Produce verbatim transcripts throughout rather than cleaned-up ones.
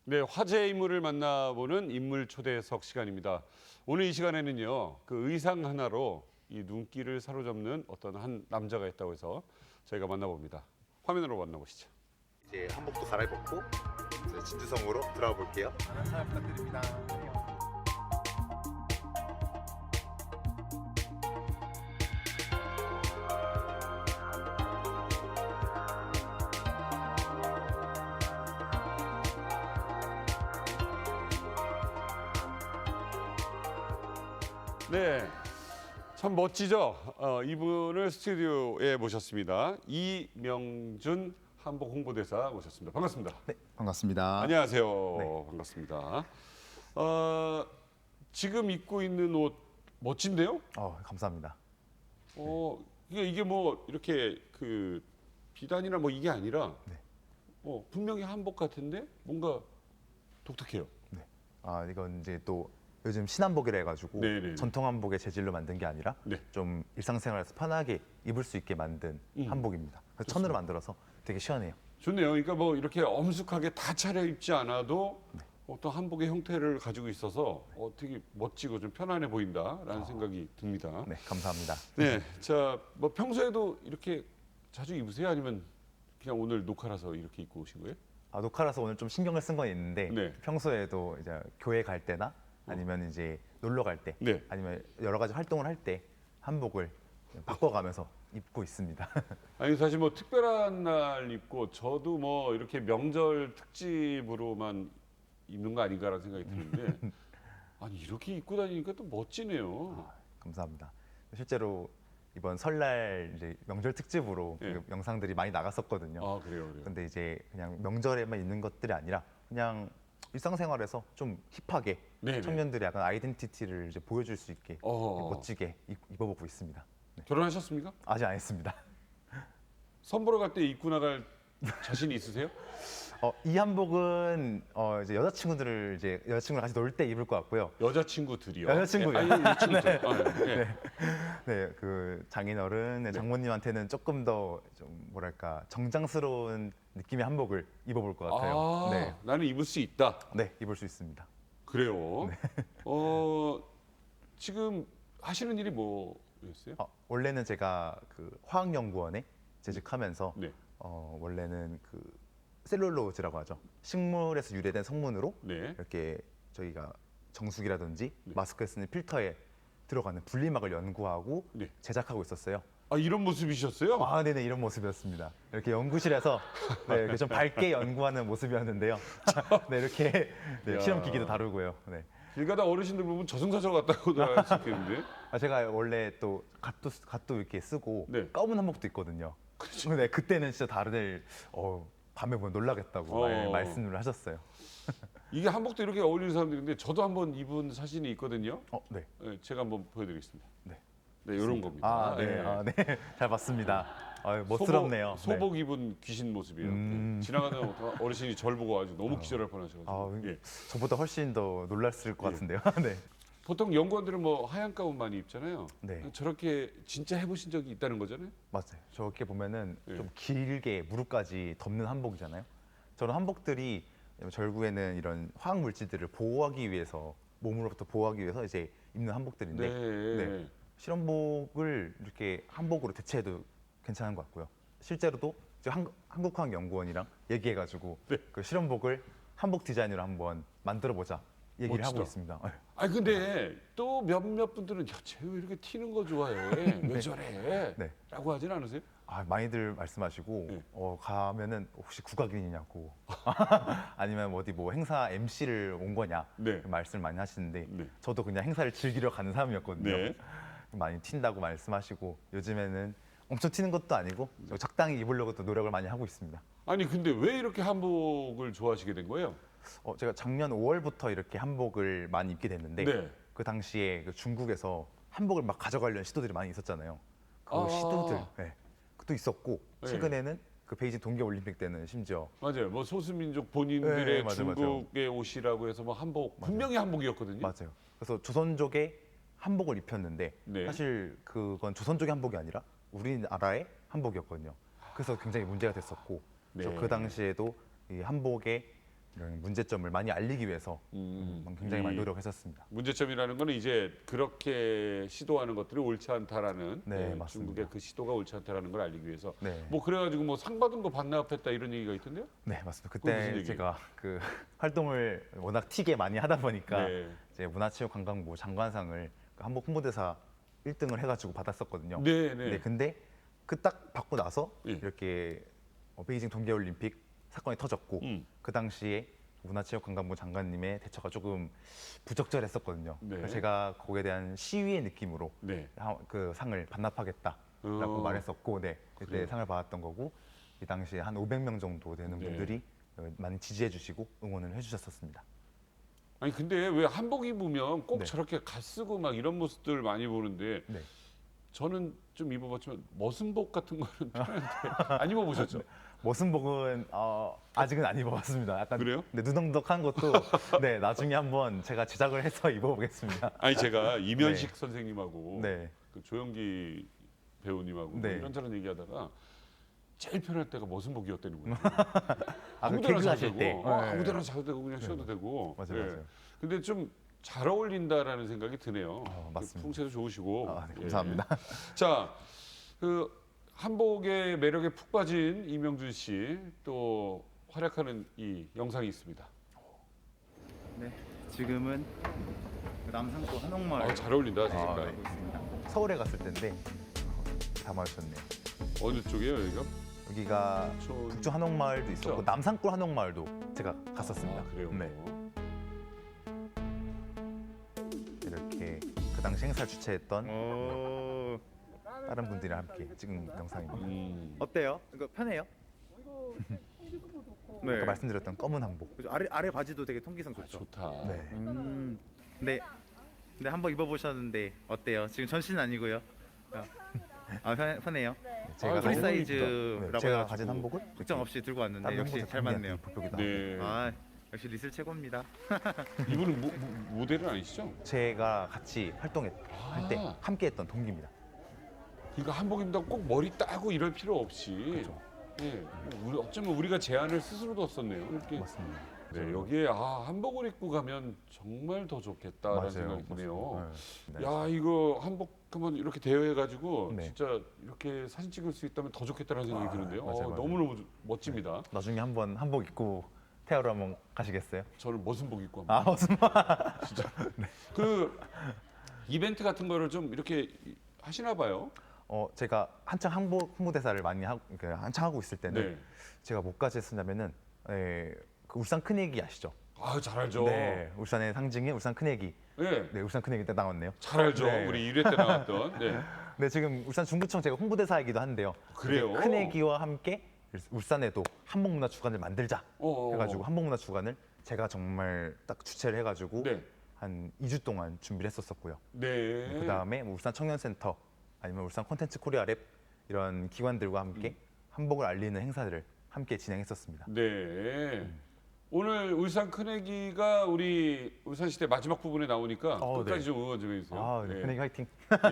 네, 화제의 인물을 만나보는 인물 초대석 시간입니다. 오늘 이 시간에는요, 그 의상 하나로 이 눈길을 사로잡는 어떤 한 남자가 있다고 해서 저희가 만나봅니다. 화면으로 만나보시죠. 이제 한복도 갈아입었고 이제 진주성으로 들어가 볼게요. 많은 사랑 부탁드립니다. 네, 참 멋지죠? 어, 이분을 스튜디오에 모셨습니다. 이명준 한복 홍보대사 모셨습니다. 반갑습니다. 네, 반갑습니다. 안녕하세요. 네. 반갑습니다. 어, 지금 입고 있는 옷 멋진데요? 어, 감사합니다. 어, 이게, 이게 뭐 이렇게 그 비단이나 뭐 이게 아니라 네. 어, 분명히 한복 같은데 뭔가 독특해요. 네. 아, 이건 이제 또 요즘 신한복이라 해가지고 네네네. 전통 한복의 재질로 만든 게 아니라 네. 좀 일상생활에서 편하게 입을 수 있게 만든 음. 한복입니다. 그래서 천으로 만들어서 되게 시원해요. 좋네요. 그러니까 뭐 이렇게 엄숙하게 다 차려입지 않아도 네. 어떤 한복의 형태를 가지고 있어서 어, 되게 멋지고 좀 편안해 보인다라는 생각이 듭니다. 네, 감사합니다. 네, 자, 뭐 평소에도 이렇게 자주 입으세요? 아니면 그냥 오늘 녹화라서 이렇게 입고 오신 거예요? 아, 녹화라서 오늘 좀 신경을 쓴 건 있는데 네. 평소에도 이제 교회 갈 때나 아니면 이제 놀러 갈 때, 네. 아니면 여러 가지 활동을 할 때 한복을 바꿔가면서 입고 있습니다. 아니 사실 뭐 특별한 날 입고 저도 뭐 이렇게 명절 특집으로만 입는 거 아닌가라는 생각이 드는데 아니 이렇게 입고 다니니까 또 멋지네요. 아, 감사합니다. 실제로 이번 설날 이제 명절 특집으로 네. 그 영상들이 많이 나갔었거든요. 아 그래요, 그래요. 근데 이제 그냥 명절에만 있는 것들이 아니라 그냥 일상생활에서 좀 힙하게 네네. 청년들의 약간 아이덴티티를 이제 보여줄 수 있게 어허. 멋지게 입- 입어보고 있습니다. 네. 결혼하셨습니까? 아직 안 했습니다. 선보러 갈 때 입고 나갈 자신 있으세요? 어, 이 한복은 어, 이제 여자친구들을 이제 여자친구랑 같이 놀 때 입을 것 같고요. 여자친구들이요. 여자친구요. 예, 아니, 여자친구들. 아, 네. 네. 네, 그 장인어른, 네, 장모님한테는 조금 더 좀 뭐랄까 정장스러운 느낌의 한복을 입어볼 것 같아요. 아, 네, 나는 입을 수 있다. 네, 입을 수 있습니다. 그래요. 어, 지금 하시는 일이 뭐였어요? 어, 원래는 제가 그 화학연구원에 재직하면서 네. 어, 원래는 그 셀룰로즈라고 하죠. 식물에서 유래된 성분으로 네. 이렇게 저희가 정수기라든지 마스크에 쓰는 필터에 들어가는 분리막을 연구하고 네. 제작하고 있었어요. 아, 이런 모습이셨어요? 아, 네네, 이런 모습이었습니다. 이렇게 연구실에서 네, 이렇게 좀 밝게 연구하는 모습이었는데요. 네, 이렇게 네, 야. 실험 기기도 다루고요. 네. 길 가다 어르신들 보면 저승사자 같다고 할 수 있겠는데. 아, 제가 원래 또 갓도 쓰- 갓도 이렇게 쓰고 네. 검은 한복도 있거든요. 그렇죠. 네, 그때는 진짜 다들 어, 밤에 보면 놀라겠다고 어. 말- 말씀을 하셨어요. 이게 한복도 이렇게 어울리는 사람들인데 저도 한번 입은 사진이 있거든요. 어, 네. 네, 제가 한번 보여드리겠습니다. 네. 네, 이런 겁니다. 아, 네, 예. 아, 네, 잘 봤습니다. 아, 멋스럽네요. 소복, 소복 입은 귀신 모습이에요. 음. 네. 지나가는 어르신이 저를 보고 아주 너무 기절할 뻔하셔가지고. 아, 예. 저보다 훨씬 더 놀랐을 것 예. 같은데요. 네. 보통 연구원들은 뭐 하얀 가운 많이 입잖아요. 네. 저렇게 진짜 해보신 적이 있다는 거잖아요. 맞아요. 저렇게 보면은 예. 좀 길게 무릎까지 덮는 한복이잖아요. 저런 한복들이 결국에는 이런 화학 물질들을 보호하기 위해서 몸으로부터 보호하기 위해서 이제 입는 한복들인데 네. 네. 실험복을 이렇게 한복으로 대체해도 괜찮은 것 같고요. 실제로도 이제 한, 한국화학연구원이랑 얘기해가지고 네. 그 실험복을 한복 디자인으로 한번 만들어보자 얘기를 멋지다. 하고 있습니다. 네. 아니 근데 또 몇몇 분들은 야, 쟤 왜 이렇게 튀는 거 좋아해? 왜 저래? 네. 라고 하진 않으세요? 아, 많이들 말씀하시고 네. 어, 가면은 혹시 국악인이냐고 아니면 어디 뭐 행사 엠씨를 온 거냐 네. 말씀을 많이 하시는데 네. 저도 그냥 행사를 즐기러 가는 사람이었거든요. 네. 많이 튄다고 말씀하시고 요즘에는 엄청 튀는 것도 아니고 적당히 입으려고 또 노력을 많이 하고 있습니다. 아니 근데 왜 이렇게 한복을 좋아하시게 된 거예요? 어, 제가 작년 오월부터 이렇게 한복을 많이 입게 됐는데 네. 그 당시에 그 중국에서 한복을 막 가져가려는 시도들이 많이 있었잖아요. 그 아. 시도들 네. 그것도 있었고 네. 최근에는 그 베이징 동계올림픽 때는 심지어 맞아요. 뭐 소수민족 본인들의 네, 맞아요, 맞아요. 중국의 옷이라고 해서 뭐 한복 분명히 한복이었거든요. 맞아요. 그래서 조선족의 한복을 입혔는데 네. 사실 그건 조선족의 한복이 아니라 우리나라의 한복이었거든요. 그래서 굉장히 문제가 됐었고 네. 그래서 그 당시에도 이 한복에 이런 문제점을 많이 알리기 위해서 음, 음, 굉장히 많이 이 노력했었습니다. 문제점이라는 거는 이제 그렇게 시도하는 것들이 옳지 않다라는 네, 예, 맞습니다. 중국의 그 시도가 옳지 않다라는 걸 알리기 위해서 네. 뭐 그래가지고 뭐 상 받은 거 반납했다 이런 얘기가 있던데요? 네, 맞습니다. 그건 무슨 그때 얘기예요? 제가 그 활동을 워낙 튀게 많이 하다 보니까 네. 이제 문화체육관광부 장관상을 그 한복 홍보대사 일 등을 해가지고 받았었거든요. 네, 네. 네, 근데 그 딱 받고 나서 예. 이렇게 어, 베이징 동계올림픽 사건이 터졌고 음. 그 당시에 문화체육관광부 장관님의 대처가 조금 부적절했었거든요. 네. 그래서 제가 거기에 대한 시위의 느낌으로 네. 하- 그 상을 반납하겠다라고 어. 말했었고, 네, 그때 그래요? 상을 받았던 거고 이 당시에 한 오백 명 정도 되는 네. 분들이 어, 많이 지지해주시고 응원을 해주셨었습니다. 아니 근데 왜 한복 입으면 꼭 네. 저렇게 갓 쓰고 막 이런 모습들 많이 보는데 네. 저는 좀 입어봤지만 머슴복 같은 거는 편한데 안 입어보셨죠? 머슴복은 어, 아직은 안 입어봤습니다. 약간 그래요? 네, 누덩덕한 것도 네, 나중에 한번 제가 제작을 해서 입어보겠습니다. 아니 제가 이면식 선생님하고 네. 그 조영기 배우님하고 네. 이런저런 얘기하다가 제일 편할 때가 머슴복이었다는 거예요. 아, 그 아무데나 개그 자도 하실 되고, 때. 어, 네. 아무데나 자도 되고 그냥 쉬어도 되고. 맞아요, 예. 맞아요. 근데 좀 잘 어울린다라는 생각이 드네요. 어, 맞습니다. 풍채도 좋으시고. 아, 네, 예. 감사합니다. 자, 그 한복의 매력에 푹 빠진 이명준 씨 또 활약하는 이 영상이 있습니다. 네, 지금은 남산구 한옥마을 아, 잘 어울린다, 아, 색깔. 네, 있습니다. 서울에 갔을 때인데 담아주셨네요. 어느 쪽이에요, 여기가? 여기가 촌- 북촌 한옥마을도 있었고 그렇죠? 남산골 한옥마을도 제가 갔었습니다. 아, 그래요. 네, 이렇게 그 당시 행사를 주최했던 오, 다른 분들이랑 함께 찍은 영상입니다. 음. 어때요? 이거 편해요? 네. 아까 말씀드렸던 검은 한복. 그죠? 아래 아래 바지도 되게 통기성 아, 좋죠. 좋다. 네. 음. 네. 근데 한번 입어보셨는데 어때요? 지금 전신은 아니고요. 아, 아 편, 편해요. 제가 아, 프리 너무 사이즈라고 네, 제가 해가지고 가진 한복을 걱정 없이 들고 왔는데 다른 역시 홍보대 잘 맞네요. 보표기도 네. 아 역시 리슬 최고입니다. 이분은 모, 모- 모델은 아니시죠? 제가 같이 활동할 때 아. 함께했던 동기입니다. 그러니까 한복 입는다고 꼭 머리 따고 이럴 필요 없이. 그렇죠. 예. 우리 어쩌면 우리가 제안을 스스로 뒀었네요. 이렇게. 맞습니다. 네, 여기에 아, 한복을 입고 가면 정말 더 좋겠다라는 생각이 드네요. 네. 야, 이거 한복 한번 이렇게 대여해가지고 네. 진짜 이렇게 사진 찍을 수 있다면 더 좋겠다라는 생각이 아, 드는데요. 맞아요, 어, 맞아요. 너무너무 멋집니다. 나중에 한번 한복 입고 태하러 한번 가시겠어요? 저는 머슴복 입고 한번. 아, 무슨 말? 그 이벤트 같은 거를 좀 이렇게 하시나 봐요. 어, 제가 한창 한복 홍보대사를 많이 하고 그 한창 하고 있을 때는 네. 제가 뭐까지 했었냐면은 에, 그 울산 큰애기 아시죠? 아, 잘 알죠. 네, 울산의 상징인 울산 큰애기. 네. 네, 울산 큰애기 때 나왔네요. 잘 알죠. 네. 우리 일 회 때 나왔던. 네. 네, 지금 울산 중구청 제가 홍보대사이기도 한데요. 그래요? 이제 큰애기와 함께 울산에도 한복문화 주간을 만들자 어, 해가지고 한복문화 주간을 제가 정말 딱 주최를 해가지고 네. 한 이 주 동안 준비를 했었었고요. 네. 그 다음에 뭐 울산 청년센터 아니면 울산 콘텐츠 코리아 랩 이런 기관들과 함께 음. 한복을 알리는 행사들을 함께 진행했었습니다. 네. 오늘 울산 큰애기가 우리 울산시대 마지막 부분에 나오니까 어, 끝까지 네. 좀 응원 좀 해주세요. 아, 네. 큰애기 화이팅!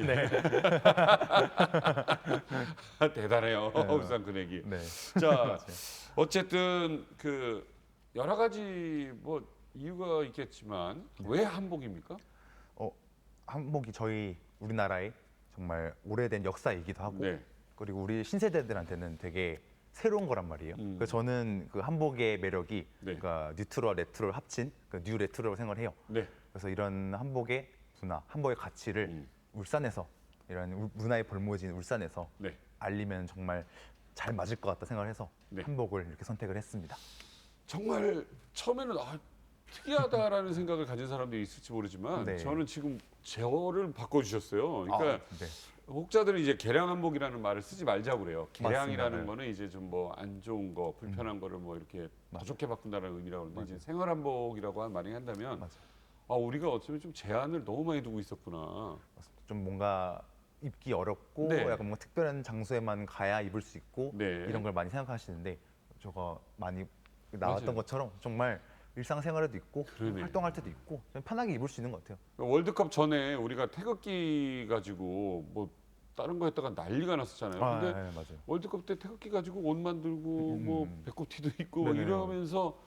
대단해요. 네. 울산 큰애기. 네. 자, 맞아요. 어쨌든 그 여러 가지 뭐 이유가 있겠지만 왜 한복입니까? 어, 한복이 저희 우리나라의 정말 오래된 역사이기도 하고 네. 그리고 우리 신세대들한테는 되게 새로운 거란 말이에요. 음. 그래서 저는 그 한복의 매력이 네. 그러니까 뉴트로와 레트로를 합친 그 뉴 레트로라고 생각을 해요. 네. 그래서 이런 한복의 문화, 한복의 가치를 음. 울산에서 이런 울- 문화의 벌모지인 울산에서 네. 알리면 정말 잘 맞을 것 같다 생각을 해서 네. 한복을 이렇게 선택을 했습니다. 정말 처음에는 아, 특이하다라는 생각을 가진 사람들이 있을지 모르지만 네. 저는 지금 제어를 바꿔주셨어요. 그러니까 아, 네. 혹자들은 이제 개량 한복이라는 말을 쓰지 말자고 그래요. 개량이라는 맞습니다. 네. 거는 이제 좀 뭐 안 좋은 거, 불편한 거를 뭐 이렇게 더 맞아요. 좋게 바꾼다는 의미라고 그러는데 맞아요. 이제 생활 한복이라고 한 말이 한다면 맞아요. 아 우리가 어쩌면 좀 제한을 너무 많이 두고 있었구나. 좀 뭔가 입기 어렵고 네. 약간 뭔가 특별한 장소에만 가야 입을 수 있고 네. 이런 걸 많이 생각하시는데 저거 많이 나왔던 맞아요. 것처럼 정말 일상생활에도 있고 그러네. 활동할 때도 있고 좀 편하게 입을 수 있는 것 같아요. 월드컵 전에 우리가 태극기 가지고 뭐 다른 거 했다가 난리가 났었잖아요. 아, 근데 네, 맞아요. 월드컵 때 태극기 가지고 옷 만들고 음. 뭐 배꼽티도 있고 네네. 이러면서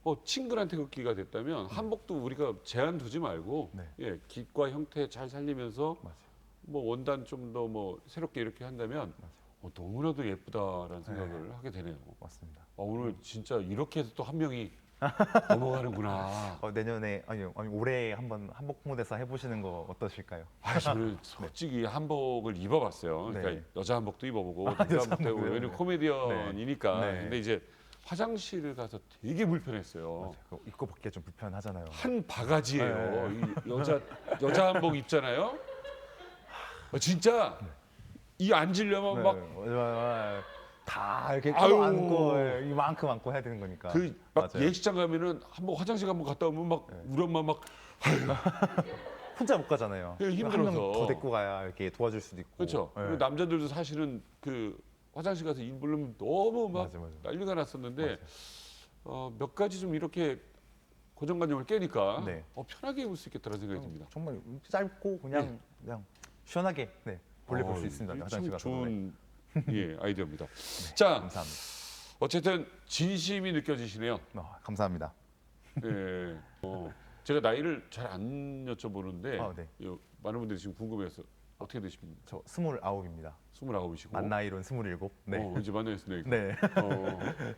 어, 친근한 태극기가 됐다면 한복도 우리가 제한 두지 말고 네. 예, 깃과 형태 잘 살리면서 맞아요. 뭐 원단 좀 더 뭐 새롭게 이렇게 한다면 어, 너무나도 예쁘다라는 생각을 하게 되네요. 맞습니다. 어, 오늘 진짜 이렇게 해서 또 한 명이 넘어가는구나. 어, 내년에 아니요, 아니 올해 한번 한복 홍보대사 해보시는 거 어떠실까요? 아, 저는 솔직히 한복을 입어봤어요. 그러니까 네. 여자 한복도 입어보고 아, 남자 여자 한복도 입어보고 한복이요? 왜냐면 네. 코미디언이니까. 네. 근데 이제 화장실을 가서 되게 불편했어요. 맞아요. 그거 입고 벗기가 좀 불편하잖아요. 한 바가지예요. 네. 이 여자 여자 한복 입잖아요. 어, 진짜 이 앉으려면 네, 막 맞아요. 다 이렇게 아유. 안고 예, 이만큼 안고 해야 되는 거니까. 그 막 맞아요. 예식장 가면은 한번 화장실 한번 갔다 오면 막 우리 엄마 막 혼자 못 가잖아요. 예, 한 힘들어서. 명 더 데리고 가야 이렇게 도와줄 수도 있고. 그렇죠. 예. 그리고 남자들도 사실은 그 화장실 가서 입으려면 너무 막 맞아, 맞아. 난리가 났었는데 맞아요. 어, 몇 가지 좀 이렇게 고정관념을 깨니까 네. 어, 편하게 입을 수 있겠다는 생각이 듭니다. 정말 짧고 그냥 그냥 시원하게 네, 볼래 볼 수 어, 있습니다. 이게 화장실 참 가서. 네. 좋은 예, 아이디어입니다. 자, 감사합니다. 어쨌든 진심이 느껴지시네요. 어, 감사합니다. 예. 어, 제가 나이를 잘 안 여쭤보는데 아, 네. 요, 많은 분들이 지금 궁금해서 어떻게 되십니까? 저 스물아홉입니다. 스물아홉이시고. 만 나이로는 스물일곱. 네. 어, 이제 만나셨네요. 네. 어.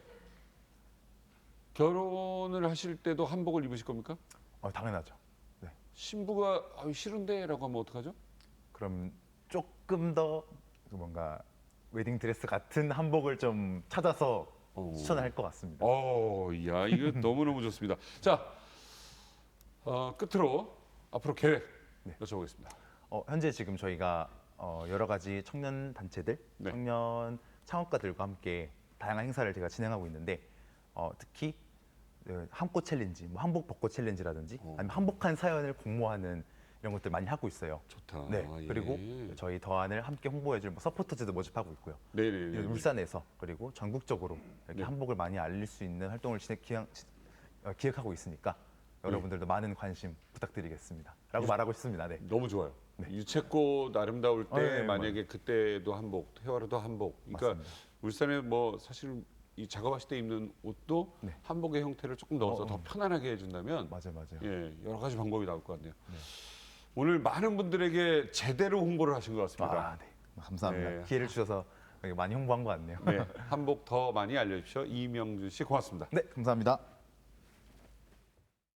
결혼을 하실 때도 한복을 입으실 겁니까? 어, 당연하죠. 신부가 아유, 싫은데라고 하면 어떡하죠? 그럼 조금 더 뭔가 웨딩 드레스 같은 한복을 좀 찾아서 어. 추천을 할 것 같습니다. 어, 야, 이거 너무너무 좋습니다. 자, 어, 끝으로 앞으로 계획 여쭤보겠습니다. 어, 현재 지금 저희가 어, 여러 가지 청년 단체들, 네. 청년 창업가들과 함께 다양한 행사를 제가 진행하고 있는데 어, 특히 어, 한꽃 챌린지, 뭐 한복 벚꽃 챌린지라든지 어. 아니면 한복한 사연을 공모하는 이런 것들 많이 하고 있어요. 좋다. 네. 예. 그리고 저희 더한을 함께 홍보해줄 뭐 서포터즈도 모집하고 있고요. 네네네. 울산에서 그리고 전국적으로 이렇게 네. 한복을 많이 알릴 수 있는 활동을 진행, 기획, 어, 기획하고 있으니까 여러분들도 많은 관심 부탁드리겠습니다. 라고 말하고 싶습니다. 네. 너무 좋아요. 유채꽃 아름다울 때 어, 네, 만약에 그때도 한복, 태화로도 한복. 그러니까 맞습니다. 울산에 뭐 사실 이 작업하실 때 입는 옷도 네. 한복의 형태를 조금 넣어서 어, 더 음. 편안하게 해준다면 맞아요, 맞아요. 예, 여러 가지 방법이 나올 것 같네요. 네. 오늘 많은 분들에게 제대로 홍보를 하신 것 같습니다. 아, 네. 감사합니다. 네. 기회를 주셔서 많이 홍보한 것 같네요. 네, 한복 더 많이 알려주십시오. 이명준 씨 고맙습니다. 네, 감사합니다.